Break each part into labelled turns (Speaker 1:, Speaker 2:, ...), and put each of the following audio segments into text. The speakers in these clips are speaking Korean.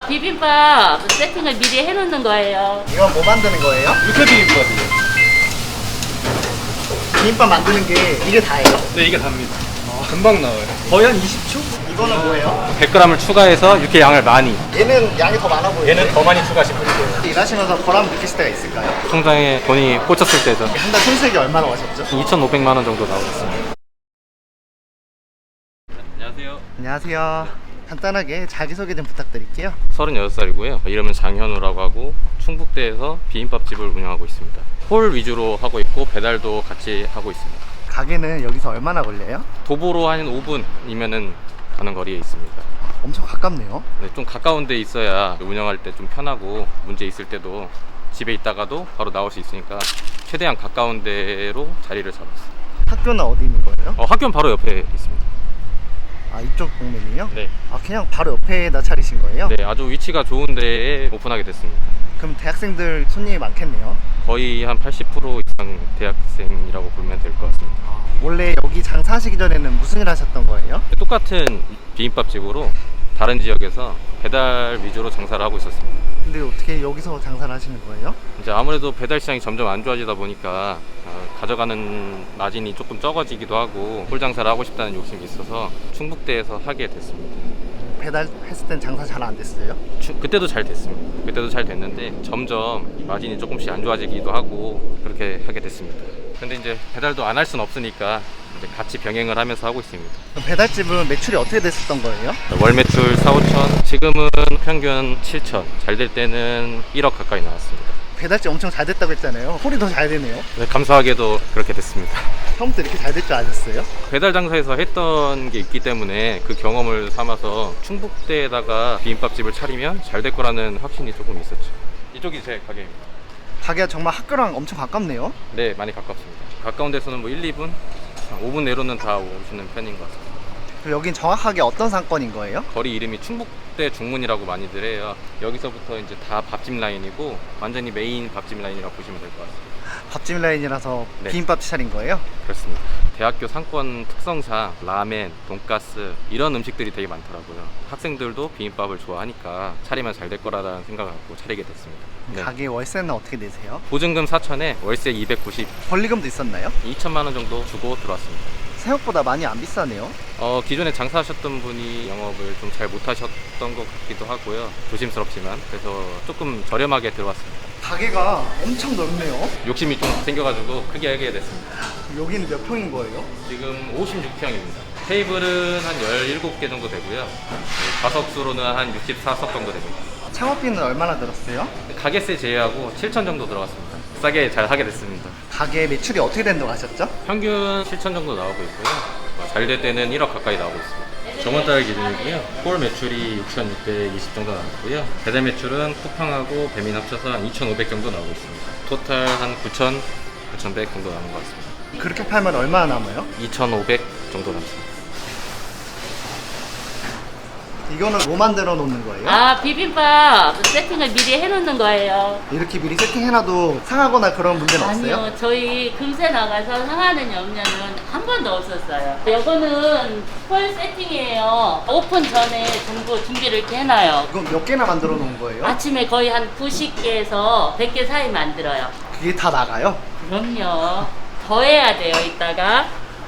Speaker 1: 비빔밥 세팅을 미리 해놓는 거예요.
Speaker 2: 이건 뭐 만드는 거예요?
Speaker 3: 육회 비빔밥이요.
Speaker 2: 비빔밥 만드는 게 이게 다예요?
Speaker 3: 네, 이게 답니다. 금방 나와요. 거의 한 20초?
Speaker 2: 이거는 뭐예요?
Speaker 3: 100g을 추가해서 육회 양을 많이.
Speaker 2: 얘는 양이 더 많아 보여요.
Speaker 3: 얘는 더 많이 추가하시면 돼요.
Speaker 2: 일하시면서 보람 느끼실 때가 있을까요?
Speaker 3: 통장에 돈이 꽂혔을 때죠.
Speaker 2: 한 달 손수익이 얼마나 가셨죠?
Speaker 3: 2,500만 원 정도 나오고 있습니다. 안녕하세요.
Speaker 2: 안녕하세요. 간단하게 자기소개 좀 부탁드릴게요.
Speaker 3: 36살이고요. 이름은 장현우라고 하고 충북대에서 비빔밥집을 운영하고 있습니다. 홀 위주로 하고 있고 배달도 같이 하고 있습니다.
Speaker 2: 가게는 여기서 얼마나 걸려요?
Speaker 3: 도보로 한 5분이면은 가는 거리에 있습니다.
Speaker 2: 엄청 가깝네요.
Speaker 3: 네, 좀 가까운 데 있어야 운영할 때 좀 편하고 문제 있을 때도 집에 있다가도 바로 나올 수 있으니까 최대한 가까운 데로 자리를 잡았어요.
Speaker 2: 학교는 어디 있는 거예요?
Speaker 3: 학교는 바로 옆에 있습니다.
Speaker 2: 아, 이쪽 동네이요?
Speaker 3: 네.
Speaker 2: 아, 그냥 바로 옆에다 차리신 거예요?
Speaker 3: 네, 아주 위치가 좋은 데에 오픈하게 됐습니다.
Speaker 2: 그럼 대학생들 손님이 많겠네요.
Speaker 3: 거의 한 80% 이상 대학생이라고 보면 될 것 같습니다.
Speaker 2: 원래 여기 장사하시기 전에는 무슨 일 하셨던 거예요?
Speaker 3: 똑같은 비빔밥집으로 다른 지역에서 배달 위주로 장사를 하고 있었습니다.
Speaker 2: 근데 어떻게 여기서 장사를 하시는 거예요?
Speaker 3: 이제 아무래도 배달 시장이 점점 안 좋아지다 보니까 가져가는 마진이 조금 적어지기도 하고 홀 장사를 하고 싶다는 욕심이 있어서 충북대에서 하게 됐습니다.
Speaker 2: 배달했을 땐 장사 잘 안 됐어요?
Speaker 3: 그때도 잘 됐습니다. 그때도 잘 됐는데 점점 마진이 조금씩 안 좋아지기도 하고 그렇게 하게 됐습니다. 근데 이제 배달도 안 할 수는 없으니까 이제 같이 병행을 하면서 하고 있습니다.
Speaker 2: 그럼 배달집은 매출이 어떻게 됐었던 거예요?
Speaker 3: 월 매출 4, 5천, 지금은 평균 7천, 잘 될 때는 1억 가까이 나왔습니다.
Speaker 2: 배달집 엄청 잘 됐다고 했잖아요. 홀이 더 잘 되네요.
Speaker 3: 네, 감사하게도 그렇게 됐습니다.
Speaker 2: 처음부터 이렇게 잘 될 줄 아셨어요?
Speaker 3: 배달 장사에서 했던 게 있기 때문에 그 경험을 삼아서 충북대에다가 비빔밥집을 차리면 잘 될 거라는 확신이 조금 있었죠. 이쪽이 제 가게입니다.
Speaker 2: 가게가 정말 학교랑 엄청 가깝네요.
Speaker 3: 네, 많이 가깝습니다. 가까운 데서는 뭐 1, 2분, 5분 내로는 다 오시는 편인 것 같습니다.
Speaker 2: 그럼 여긴 정확하게 어떤 상권인 거예요?
Speaker 3: 거리 이름이 충북대 중문이라고 많이들 해요. 여기서부터 이제 다 밥집 라인이고 완전히 메인 밥집 라인이라고 보시면 될 것 같습니다.
Speaker 2: 밥집 라인이라서
Speaker 3: 네.
Speaker 2: 비빔밥 차린 거예요?
Speaker 3: 그렇습니다. 대학교 상권 특성상 라멘, 돈가스 이런 음식들이 되게 많더라고요. 학생들도 비빔밥을 좋아하니까 차리면 잘 될 거라는 생각을 갖고 차리게 됐습니다. 네.
Speaker 2: 가게 월세는 어떻게 내세요?
Speaker 3: 보증금 4천에 월세 290,
Speaker 2: 권리금도 있었나요?
Speaker 3: 2천만 원 정도 주고 들어왔습니다.
Speaker 2: 생각보다 많이 안 비싸네요.
Speaker 3: 기존에 장사하셨던 분이 영업을 좀 잘 못하셨던 것 같기도 하고요. 조심스럽지만 그래서 조금 저렴하게 들어왔습니다.
Speaker 2: 가게가 엄청 넓네요.
Speaker 3: 욕심이 좀 생겨가지고 크게 하게 됐습니다.
Speaker 2: 여기는 몇 평인 거예요?
Speaker 3: 지금 56평입니다. 테이블은 한 17개 정도 되고요. 좌석수로는 한 64석 정도 됩니다.
Speaker 2: 창업비는 얼마나 들었어요?
Speaker 3: 가게세 제외하고 7천 정도 들어갔습니다. 싸게 잘 하게 됐습니다.
Speaker 2: 가게 매출이 어떻게 된다고 하셨죠?
Speaker 3: 평균 7천 정도 나오고 있고요. 잘 될 때는 1억 가까이 나오고 있습니다. 저번 달 기준이고요. 홀 매출이 6,620 정도 나왔고요. 배달 매출은 쿠팡하고 배민 합쳐서 한 2,500 정도 나오고 있습니다. 토탈 한 9,000, 9,100 정도 남은 것 같습니다.
Speaker 2: 그렇게 팔면 얼마나 남아요?
Speaker 3: 2,500 정도 남습니다.
Speaker 2: 이거는 뭐 만들어 놓는 거예요?
Speaker 1: 아, 비빔밥 세팅을 미리 해놓는 거예요.
Speaker 2: 이렇게 미리 세팅해놔도 상하거나 그런 문제는 없어요?
Speaker 1: 아니요, 저희 금세 나가서 상하는 염려는 한 번도 없었어요. 이거는 홀 세팅이에요. 오픈 전에 전부 준비를 이렇게 해놔요.
Speaker 2: 이건 몇 개나 만들어 놓은 거예요?
Speaker 1: 아침에 거의 한 90개에서 100개 사이 만들어요.
Speaker 2: 그게 다 나가요?
Speaker 1: 그럼요. 더 해야 돼요, 이따가.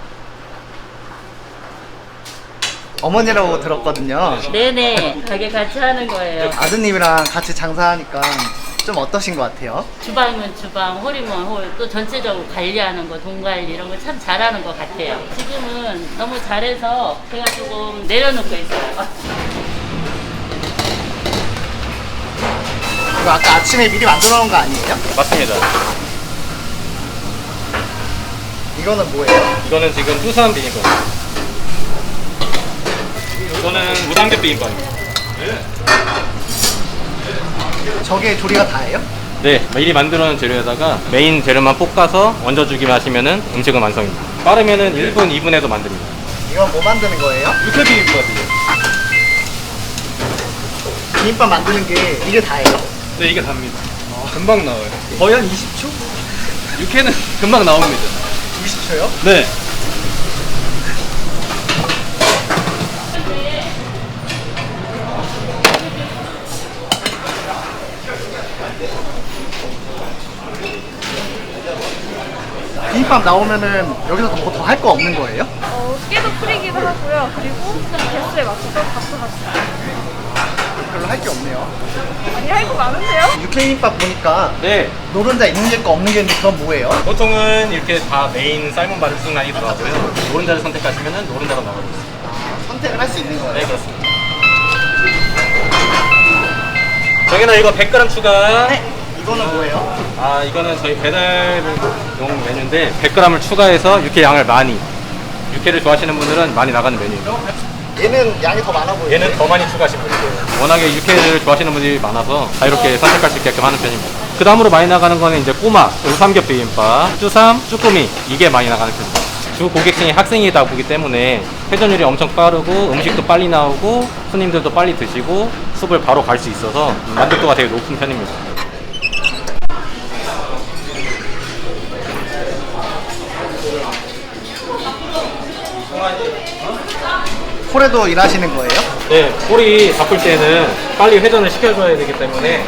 Speaker 2: 어머니라고 들었거든요.
Speaker 1: 네네, 가게 같이 하는 거예요.
Speaker 2: 아드님이랑 같이 장사하니까 좀 어떠신 것 같아요?
Speaker 1: 주방이면 주방, 홀이면 홀, 또 전체적으로 관리하는 거, 돈 관리 이런 거 참 잘하는 것 같아요. 지금은 너무 잘해서 제가 조금 내려놓고 있어요.
Speaker 2: 이거 아까 아침에 미리 만들어 놓은 거 아니에요?
Speaker 3: 맞습니다.
Speaker 2: 이거는 뭐예요?
Speaker 3: 이거는 지금 투수한 비빔밥입니다. 이거는 무당겹 비빔밥입니다.
Speaker 2: 저게 조리가 다예요?
Speaker 3: 네, 미리 만들어 놓은 재료에다가 메인 재료만 볶아서 얹어주기만 하시면은 음식은 완성입니다. 빠르면은 1분, 2분에도 만듭니다.
Speaker 2: 이건 뭐 만드는 거예요?
Speaker 3: 육회 비빔밥이요.
Speaker 2: 비빔밥 만드는 게 이게 다예요?
Speaker 3: 네, 이게 답니다. 금방 나와요. 거의 한 20초? 육회는 금방 나옵니다.
Speaker 2: 20초요?
Speaker 3: 네.
Speaker 2: 비빔밥 나오면은 여기서 뭐 더 할 거 없는 거예요?
Speaker 4: 깨도 뿌리기도 하고요. 그리고 개수에 맞춰서 밥도 같이.
Speaker 2: 별로 할 게 없네요.
Speaker 4: 아니, 할 거 많은데요?
Speaker 2: 육회비빔밥 보니까
Speaker 3: 네.
Speaker 2: 노른자 있는 게 있고 없는 게 있는데 그건 뭐예요?
Speaker 3: 보통은 이렇게 다 메인 삶은 바를 순간이 들어가고요. 노른자를 선택하시면 노른자가 나가고 있습니다.
Speaker 2: 선택을 할 수 있는 거예요?
Speaker 3: 네, 그렇습니다. 정현아, 이거 100g 추가.
Speaker 2: 네. 이거는 뭐예요?
Speaker 3: 아, 이거는 저희 배달용 메뉴인데 100g을 추가해서 육회 양을 많이. 육회를 좋아하시는 분들은 많이 나가는 메뉴입니다.
Speaker 2: 얘는 양이 더 많아 보여요.
Speaker 3: 얘는 더 많이 추가하시면 돼요. 워낙에 육회를 좋아하시는 분들이 많아서 자유롭게 선택할 수 있게끔 하는 편입니다. 그 다음으로 많이 나가는 거는 이제 꼬막, 삼겹 비빔밥, 쭈삼, 쭈꾸미 이게 많이 나가는 편입니다. 주 고객층이 학생이다 보기 때문에 회전율이 엄청 빠르고 음식도 빨리 나오고 손님들도 빨리 드시고 숲을 바로 갈 수 있어서 만족도가 되게 높은 편입니다.
Speaker 2: 홀에도 일하시는 거예요?
Speaker 3: 네, 꼬리 바쁠 때는 빨리 회전을 시켜줘야 되기 때문에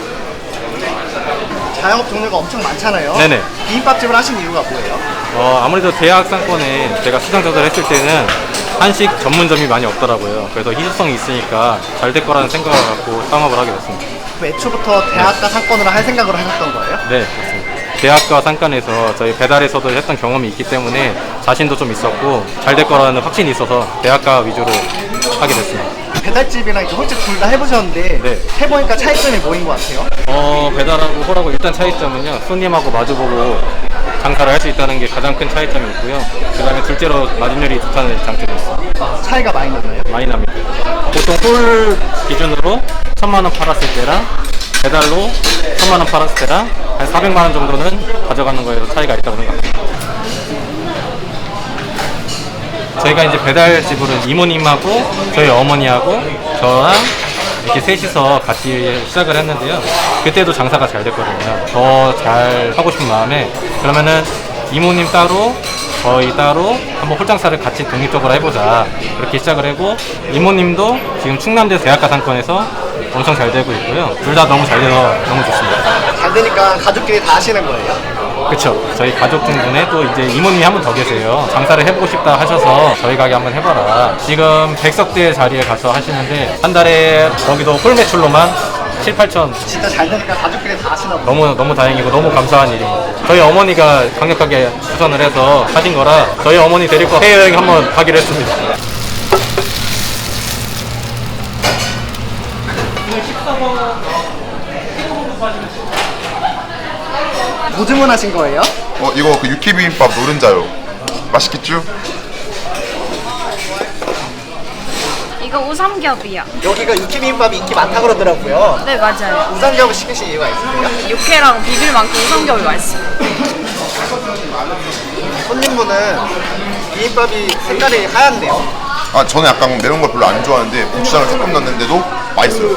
Speaker 2: 자영업 종류가 엄청 많잖아요.
Speaker 3: 네네.
Speaker 2: 비빔밥집을 하신 이유가 뭐예요?
Speaker 3: 아무래도 대학 상권에 제가 시장 조사를 했을 때는 한식 전문점이 많이 없더라고요. 그래서 희소성이 있으니까 잘 될 거라는 생각을 갖고 창업을 하게 됐습니다.
Speaker 2: 애초부터 대학가 상권으로 할 생각으로 하셨던 거예요?
Speaker 3: 네, 그렇습니다. 대학과 상권에서 저희 배달에서도 했던 경험이 있기 때문에 자신도 좀 있었고 잘 될 거라는 확신이 있어서 대학가 위주로 하게 됐습니다.
Speaker 2: 배달집이랑 이렇게 홀집 둘 다 해보셨는데
Speaker 3: 네.
Speaker 2: 해보니까 차이점이 뭐인 것 같아요?
Speaker 3: 배달하고 홀하고 일단 차이점은요, 손님하고 마주보고 장사를 할 수 있다는 게 가장 큰 차이점이 있고요. 그 다음에 둘째로 마진율이 좋다는 장점이 있어요.
Speaker 2: 차이가 많이 나나요?
Speaker 3: 많이 납니다. 보통 홀 기준으로 1000만원 팔았을 때랑 배달로 1000만원 팔았을 때랑 한 400만원 정도는 가져가는 거에서 차이가 있다고 생각합니다. 저희가 이제 배달집으로는 이모님하고 저희 어머니하고 저랑 이렇게 셋이서 같이 시작을 했는데요. 그때도 장사가 잘 됐거든요. 더 잘 하고 싶은 마음에 그러면은 이모님 따로 저희 따로 한번 홀장사를 같이 독립적으로 해보자 그렇게 시작을 하고 이모님도 지금 충남대 대학가 상권에서 엄청 잘 되고 있고요. 둘 다 너무 잘 돼서 너무 좋습니다.
Speaker 2: 잘 되니까 가족끼리 다 하시는 거예요?
Speaker 3: 그쵸. 저희 가족 중에 또 이제 이모님이 한 분 더 계세요. 장사를 해보고 싶다 하셔서 저희 가게 한번 해봐라. 지금 백석대 자리에 가서 하시는데 한 달에 거기도 홀 매출로만 7, 8천.
Speaker 2: 진짜 잘 되니까 가족끼리 다 하시나 보네요.
Speaker 3: 너무 다행이고 너무 감사한 일입니다. 저희 어머니가 강력하게 추천을 해서 하신 거라 저희 어머니 데리고 해외여행 한번 가기로 했습니다.
Speaker 2: 뭐 주문하신 거예요?
Speaker 5: 이거 그 육회 비빔밥 노른자요. 맛있겠죠?
Speaker 4: 이거 우삼겹이요.
Speaker 2: 여기가 육회비빔밥이 인기 많다 그러더라고요.
Speaker 4: 네, 맞아요.
Speaker 2: 우삼겹을 시키신 이유가 있으세요?
Speaker 4: 육회랑 비빌 만큼 우삼겹이 맛있어요.
Speaker 2: 손님분은 비빔밥이 색깔이 하얗네요.
Speaker 5: 저는 약간 매운 걸 별로 안 좋아하는데 고추장을 조금 넣었는데도 맛있어요.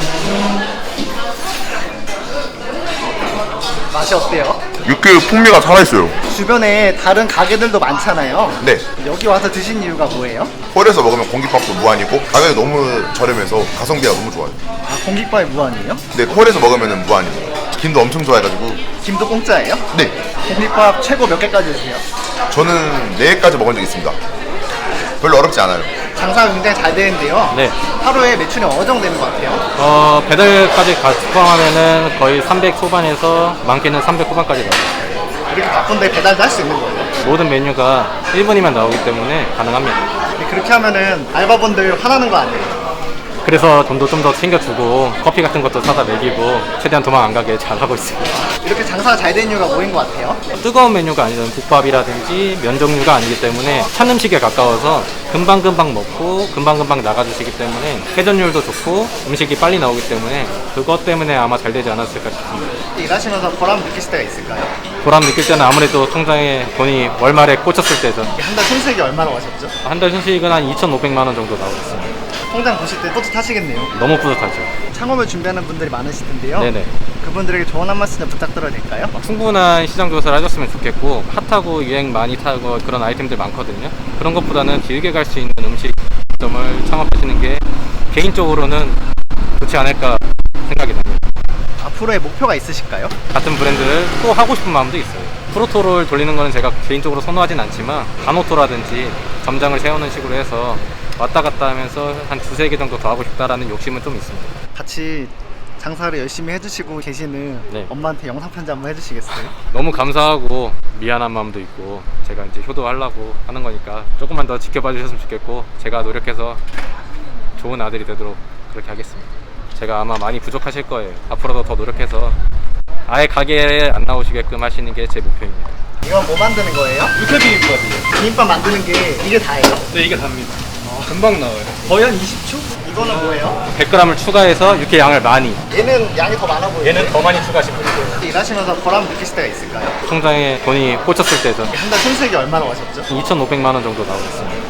Speaker 2: 맛이 어때요?
Speaker 5: 육회 풍미가 살아있어요.
Speaker 2: 주변에 다른 가게들도 많잖아요.
Speaker 5: 네.
Speaker 2: 여기 와서 드신 이유가 뭐예요?
Speaker 5: 홀에서 먹으면 공깃밥도 무한이고 가격이 너무 저렴해서 가성비가 너무 좋아요.
Speaker 2: 아, 공깃밥이 무한이에요?
Speaker 5: 근데 홀에서 먹으면 무한이에요. 김도 엄청 좋아해가지고.
Speaker 2: 김도 공짜예요?
Speaker 5: 네.
Speaker 2: 공깃밥 최고 몇 개까지 드세요?
Speaker 5: 저는 4개까지 먹은 적 있습니다. 별로 어렵지 않아요.
Speaker 2: 장사가 굉장히 잘 되는데요.
Speaker 3: 네.
Speaker 2: 하루에 매출이 어느 정도 되는 것 같아요?
Speaker 3: 배달까지 포함하면은 거의 300 초반에서 많게는 300 후반까지 나와요.
Speaker 2: 이렇게 바쁜데 배달도 할 수 있는 거예요?
Speaker 3: 모든 메뉴가 1분이면 나오기 때문에 가능합니다.
Speaker 2: 그렇게 하면은 알바분들 화나는 거 아니에요?
Speaker 3: 그래서 돈도 좀 더 챙겨주고 커피 같은 것도 사다 먹이고 최대한 도망 안 가게 잘 하고 있습니다.
Speaker 2: 이렇게 장사가 잘 되는 이유가 뭐인 것 같아요?
Speaker 3: 뜨거운 메뉴가 아니면 국밥이라든지 면 종류가 아니기 때문에 찬 음식에 가까워서 금방금방 먹고 금방금방 나가주시기 때문에 회전율도 좋고 음식이 빨리 나오기 때문에 그것 때문에 아마 잘 되지 않았을까 싶습니다.
Speaker 2: 일하시면서 보람 느끼실 때가 있을까요?
Speaker 3: 보람 느낄 때는 아무래도 통장에 돈이 월말에 꽂혔을 때죠.
Speaker 2: 한 달 손수익이 얼마나 가셨죠?
Speaker 3: 한 달 순수익은 한 2,500만 원 정도 나오고 있습니다.
Speaker 2: 통장 보실 때 뿌듯하시겠네요.
Speaker 3: 너무 뿌듯하죠.
Speaker 2: 창업을 준비하는 분들이 많으실 텐데요.
Speaker 3: 네네.
Speaker 2: 그분들에게 조언 한 말씀 좀 부탁드려도 될까요?
Speaker 3: 충분한 시장 조사를 하셨으면 좋겠고 핫하고 유행 많이 타고 그런 아이템들 많거든요. 그런 것보다는 길게 갈 수 있는 음식점을 창업하시는 게 개인적으로는 좋지 않을까 생각이 됩니다.
Speaker 2: 앞으로의 목표가 있으실까요?
Speaker 3: 같은 브랜드를 또 하고 싶은 마음도 있어요. 프로토를 돌리는 거는 제가 개인적으로 선호하진 않지만 간호토라든지 점장을 세우는 식으로 해서 왔다 갔다 하면서 한 두세 개 정도 더 하고 싶다라는 욕심은 좀 있습니다.
Speaker 2: 같이 장사를 열심히 해주시고 계시는
Speaker 3: 네.
Speaker 2: 엄마한테 영상 편지 한번 해주시겠어요?
Speaker 3: 너무 감사하고 미안한 마음도 있고 제가 이제 효도하려고 하는 거니까 조금만 더 지켜봐 주셨으면 좋겠고 제가 노력해서 좋은 아들이 되도록 그렇게 하겠습니다. 제가 아마 많이 부족하실 거예요. 앞으로도 더 노력해서 아예 가게에 안 나오시게끔 하시는 게 제 목표입니다.
Speaker 2: 이건 뭐 만드는 거예요?
Speaker 3: 육회 비빔밥이에요.
Speaker 2: 비빔밥 만드는 게 이게 다예요?
Speaker 3: 네, 이게 답니다. 금방 나와요. 거의 한 20초?
Speaker 2: 이거는 뭐예요?
Speaker 3: 100g을 추가해서 육회 양을 많이.
Speaker 2: 얘는 양이 더 많아 보여요.
Speaker 3: 얘는 더 많이 추가하시면 돼요.
Speaker 2: 일하시면서 보람 느끼실 때가 있을까요?
Speaker 3: 통장에 돈이 꽂혔을 때죠.
Speaker 2: 한 달 순수익이 얼마나 오셨죠?
Speaker 3: 2,500만 원 정도 나오겠습니다.